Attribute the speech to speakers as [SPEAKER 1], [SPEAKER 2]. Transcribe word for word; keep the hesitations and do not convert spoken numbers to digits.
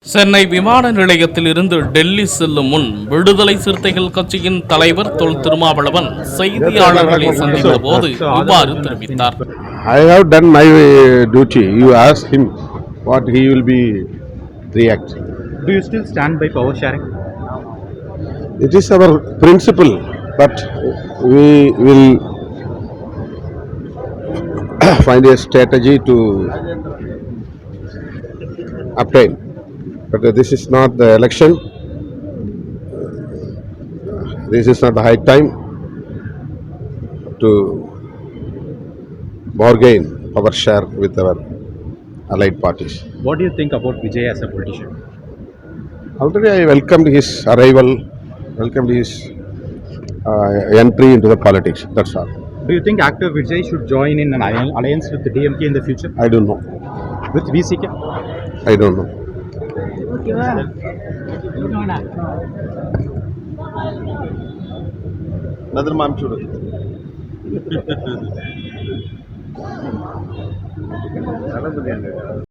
[SPEAKER 1] சென்னை விமான நிலையத்தில் இருந்து டெல்லி செல்லும் முன் விடுதலை சிறுத்தைகள் கட்சியின் தலைவர் தொல் திருமாவளவன் செய்தியாளர்களை சந்தித்த போது இவ்வாறு தெரிவித்தார்.
[SPEAKER 2] I have done my duty. You ask him what he will be react.
[SPEAKER 3] Do you still stand by power sharing?
[SPEAKER 2] It is our principle, but we will find a strategy to obtain. But this is not the election. This is not the high time to bargain our share with our allied parties.
[SPEAKER 3] What do you think about Vijay as a politician?
[SPEAKER 2] Already I welcomed his arrival, welcomed his uh, entry into the politics. That's all.
[SPEAKER 3] Do you think actor Vijay should join in an alliance with the D M K in the future?
[SPEAKER 2] I don't know.
[SPEAKER 3] With V C K?
[SPEAKER 2] I don't know.
[SPEAKER 4] Another mom chudu.